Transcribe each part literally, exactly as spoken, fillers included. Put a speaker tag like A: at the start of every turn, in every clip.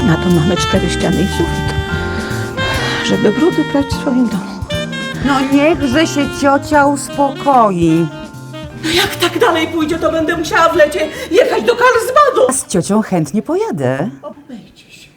A: Na to mamy cztery ściany i sufit, żeby brudy prać w swoim domu.
B: No niechże się ciocia uspokoi.
A: No jak tak dalej pójdzie, to będę musiała w lecie jechać do Karlsbadu.
B: Z ciocią chętnie pojadę.
A: Obejdzie się.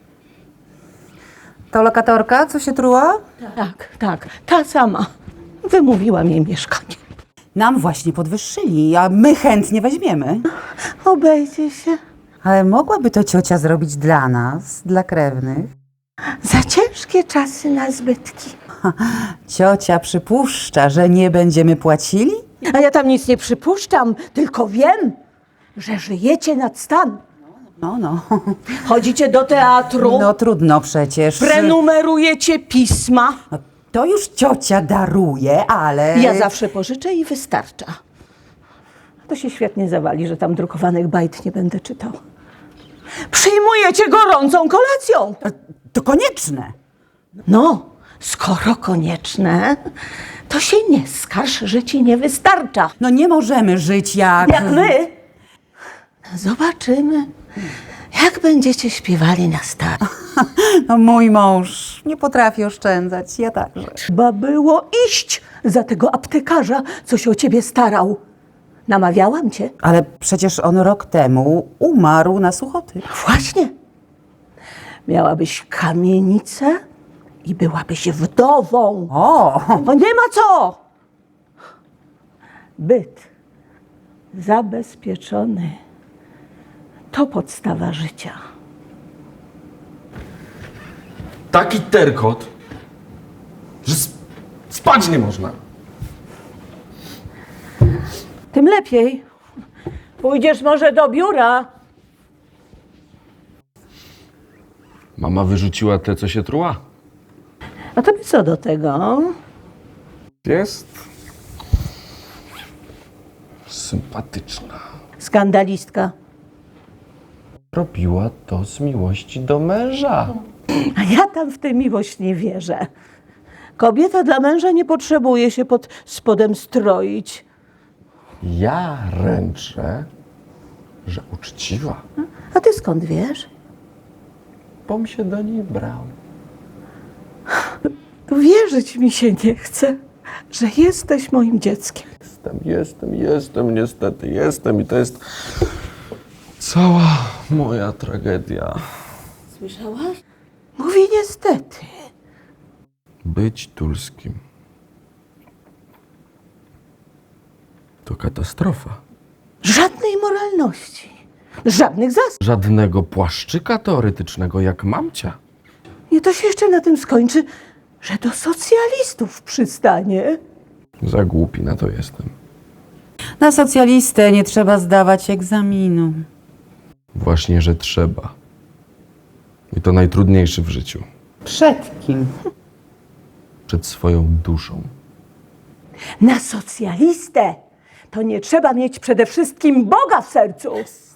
B: To lokatorka, co się truła?
A: Tak, tak, ta sama. Wymówiłam jej mieszkanie.
B: Nam właśnie podwyższyli, a my chętnie weźmiemy.
A: Obejdzie się.
B: Ale mogłaby to ciocia zrobić dla nas, dla krewnych?
A: Za ciężkie czasy na zbytki.
B: Ciocia przypuszcza, że nie będziemy płacili?
A: A ja tam nic nie przypuszczam, tylko wiem, że żyjecie nad stan.
B: No, no.
A: Chodzicie do teatru,
B: No trudno przecież.
A: prenumerujecie pisma.
B: No, to już ciocia daruje, ale...
A: Ja zawsze pożyczę i wystarcza. To się świetnie zawali, że tam drukowanych bajt nie będę czytał. Przyjmujecie gorącą kolacją.
B: To konieczne.
A: No, skoro konieczne, to się nie skarż, że ci nie wystarcza.
B: No nie możemy żyć jak...
A: Jak my zobaczymy, jak będziecie śpiewali na start.
B: No mój mąż nie potrafi oszczędzać, ja także.
A: Trzeba było iść za tego aptekarza, co się o ciebie starał. Namawiałam cię.
B: Ale przecież on rok temu umarł na suchoty.
A: Właśnie. Miałabyś kamienicę i byłabyś wdową.
B: O!
A: Bo nie ma co. Byt zabezpieczony to podstawa życia.
C: Taki terkot, że sp- spać nie można.
A: Tym lepiej. Pójdziesz może do biura.
C: Mama wyrzuciła te, co się truła.
A: A tobie co do tego?
C: Jest sympatyczna.
A: Skandalistka.
C: Robiła to z miłości do męża.
A: A ja tam w tę miłość nie wierzę. Kobieta dla męża nie potrzebuje się pod spodem stroić.
C: Ja ręczę, że uczciwa,
A: A ty skąd wiesz?
C: bom się do niej brał.
A: Wierzyć mi się nie chce, że jesteś moim dzieckiem.
C: Jestem, jestem, jestem, niestety jestem i to jest cała moja tragedia.
A: Słyszałaś? Mówi niestety.
C: Być Tulskim to katastrofa.
A: Żadnej moralności. Żadnych zasad.
C: Żadnego płaszczyka teoretycznego jak mamcia.
A: I to się jeszcze na tym skończy, że do socjalistów przystanie.
C: Za głupi na to jestem.
B: Na socjalistę nie trzeba zdawać egzaminu.
C: Właśnie, że trzeba. I to najtrudniejszy w życiu.
B: Przed kim?
C: Przed swoją duszą.
A: Na socjalistę to nie trzeba mieć przede wszystkim Boga w sercu.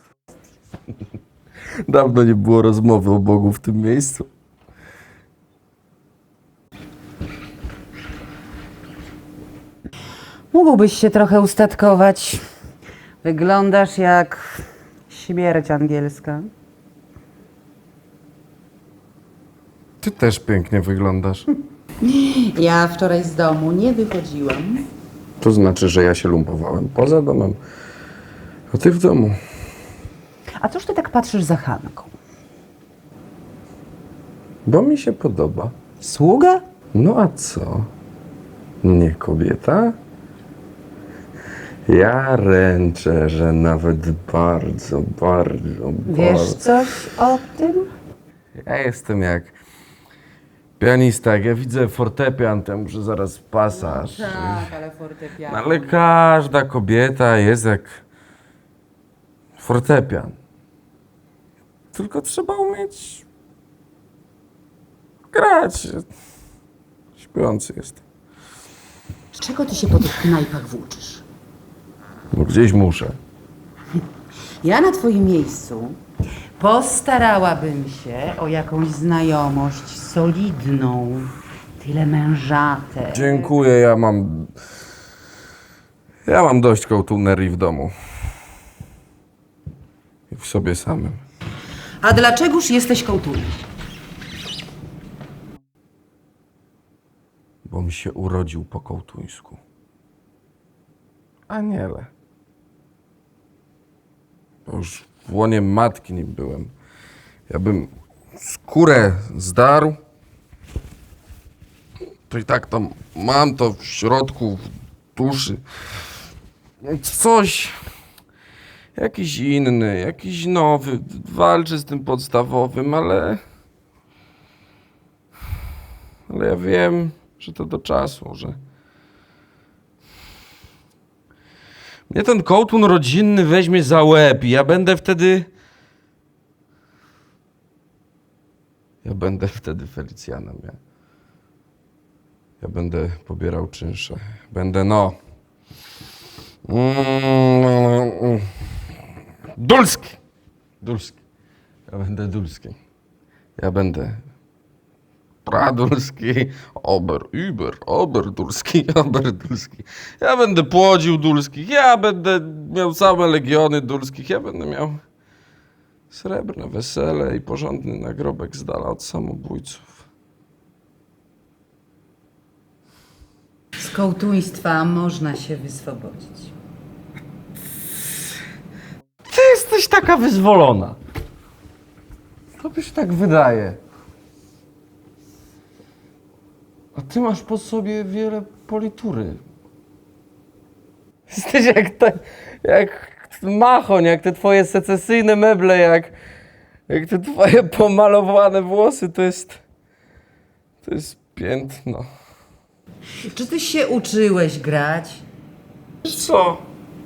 C: Dawno nie było rozmowy o Bogu w tym miejscu.
B: Mógłbyś się trochę ustatkować. Wyglądasz jak śmierć angielska.
C: Ty też pięknie wyglądasz.
B: Ja wczoraj z domu nie wychodziłam.
C: To znaczy, że ja się lumpowałem poza domem, a ty w domu.
B: A cóż ty tak patrzysz za Hanką?
C: Bo mi się podoba.
B: Sługa?
C: No a co? Nie kobieta? Ja ręczę, że nawet bardzo, bardzo,
B: Wiesz
C: bardzo...
B: coś o tym?
C: Ja jestem jak pianista. Jak ja widzę fortepian, to muszę zaraz pasaż.
B: Tak, ale fortepiano.
C: Ale każda kobieta jest jak fortepian. Tylko trzeba umieć grać. Śpiący jestem.
B: Z czego ty się po tych knajpach włóczysz?
C: Bo gdzieś muszę.
B: Ja na twoim miejscu postarałabym się o jakąś znajomość solidną, tyle mężate.
C: Dziękuję, ja mam... Ja mam dość kołtunerii w domu. I w sobie samym.
B: A dlaczegoż jesteś kołtunem?
C: Bo mi się urodził po kołtuńsku. Aniele. Bo już w łonie matki nie byłem. Ja bym skórę zdarł, to i tak tam mam to w środku, w duszy. Coś, jakiś inny, jakiś nowy, walczy z tym podstawowym, ale... Ale ja wiem, że to do czasu, że... Mnie ten kołtun rodzinny weźmie za łeb i ja będę wtedy... Ja będę wtedy Felicjanem, ja. Ja będę pobierał czynsze. Będę, no... Mm, Dulski! Dulski. Ja będę Dulski. Ja będę... Pradulski, Ober, Über, Oberdulski, Oberdulski. Ja będę płodził dulskich, ja będę miał same legiony dulskich, ja będę miał srebrne wesele i porządny nagrobek z dala od samobójców.
B: Z kołtuństwa można się wyswobodzić.
C: Ty jesteś taka wyzwolona. Tobie się tak wydaje. A ty masz po sobie wiele politury. Jesteś jak, te, jak machoń, jak te twoje secesyjne meble, jak, jak te twoje pomalowane włosy. To jest... To jest piętno.
B: Czy ty się uczyłeś grać?
C: Co?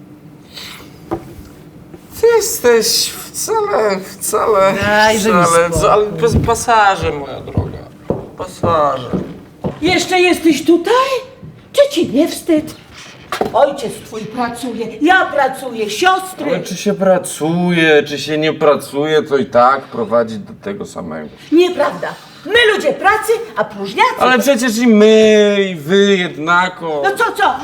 C: Ty jesteś wcale, wcale,
B: Dajże mi
C: wcale,
B: spokój.
C: ale bez pasaże, moja droga. Pasaże.
A: Jeszcze jesteś tutaj? Czy ci nie wstyd? Ojciec twój pracuje, ja pracuję, siostry.
C: Ale czy się pracuje, czy się nie pracuje, to i tak prowadzi do tego samego.
A: Nieprawda. My ludzie pracy, a próżniacy...
C: Ale przecież i my, i wy jednako.
A: No co, co?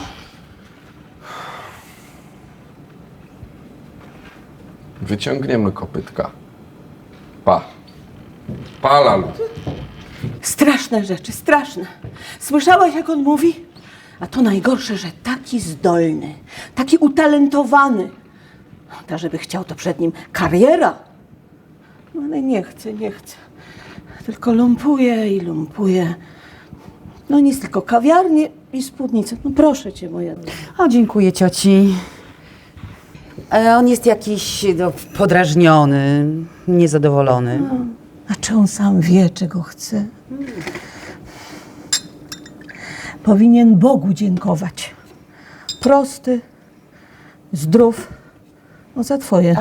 C: Wyciągniemy kopytka. Pa. Pala lud.
A: Straszne rzeczy, straszne. Słyszałaś, jak on mówi? A to najgorsze, że taki zdolny, taki utalentowany. Ta, żeby chciał, to przed nim kariera. No ale nie chce, nie chce. Tylko lumpuje i lumpuje. No nic, tylko kawiarnie i spódnice. No proszę cię, moja droga.
B: O, dziękuję cioci. E, on jest jakiś no, podrażniony, niezadowolony.
A: A czy on sam wie, czego chce? Powinien Bogu dziękować. Prosty, zdrów. No za twoje.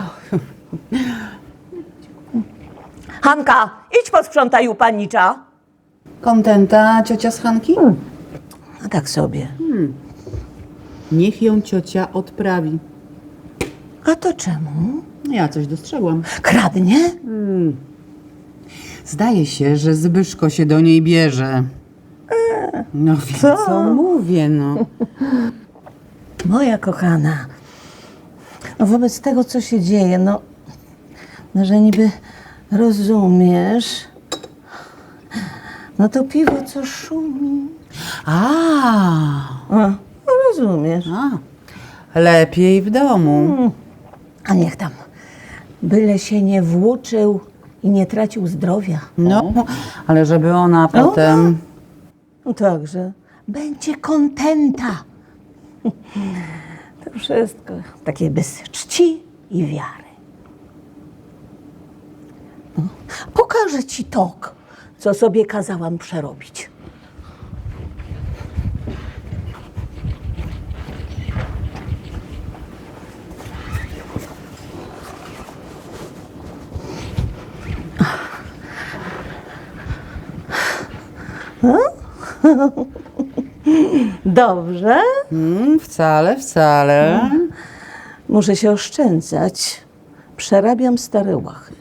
A: Hanka, idź posprzątaj u panicza.
B: Kontenta ciocia z Hanki?
A: No tak sobie.
B: Niech ją ciocia odprawi.
A: A to czemu?
B: Ja coś dostrzegłam.
A: Kradnie?
B: Zdaje się, że Zbyszko się do niej bierze. No wiem, co, co mówię, no.
A: Moja kochana, no wobec tego, co się dzieje, no, no że niby rozumiesz, no to piwo, co szumi.
B: A,
A: O, no rozumiesz.
B: a, lepiej w domu.
A: A niech tam, byle się nie włóczył i nie tracił zdrowia.
B: No, ale żeby ona potem...
A: No także, będzie kontenta. To wszystko takie bez czci i wiary. No, pokażę ci tok, co sobie kazałam przerobić. Dobrze.
B: Mm, wcale, wcale.
A: Muszę się oszczędzać. Przerabiam stare łachy.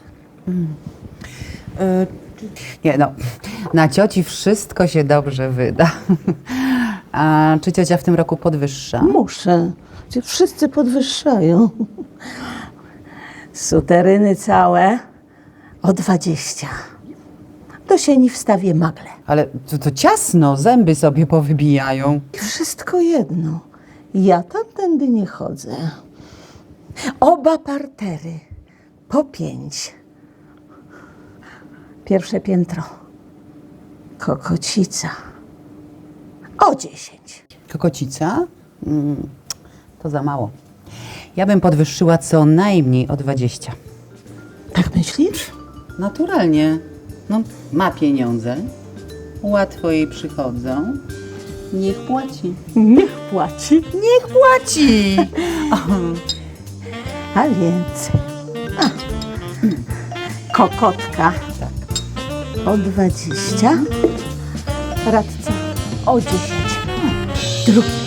B: Y, nie no, na cioci wszystko się dobrze wyda. A czy ciocia w tym roku podwyższa?
A: Muszę. Cię wszyscy podwyższają. Suteryny całe, o dwadzieścia. Do sieni wstawię magle.
B: Ale to, to ciasno, zęby sobie powybijają.
A: I wszystko jedno. Ja tamtędy nie chodzę. Oba partery po pięć. Pierwsze piętro. Kokocica. O dziesięć.
B: Kokocica? Mm, to za mało. Ja bym podwyższyła co najmniej o dwadzieścia.
A: Tak myślisz?
B: Naturalnie. No, ma pieniądze, łatwo jej przychodzą. Niech płaci.
A: Niech płaci.
B: Niech płaci!
A: A więc... A. Kokotka o dwadzieścia. Radca o dziesięć. Drugi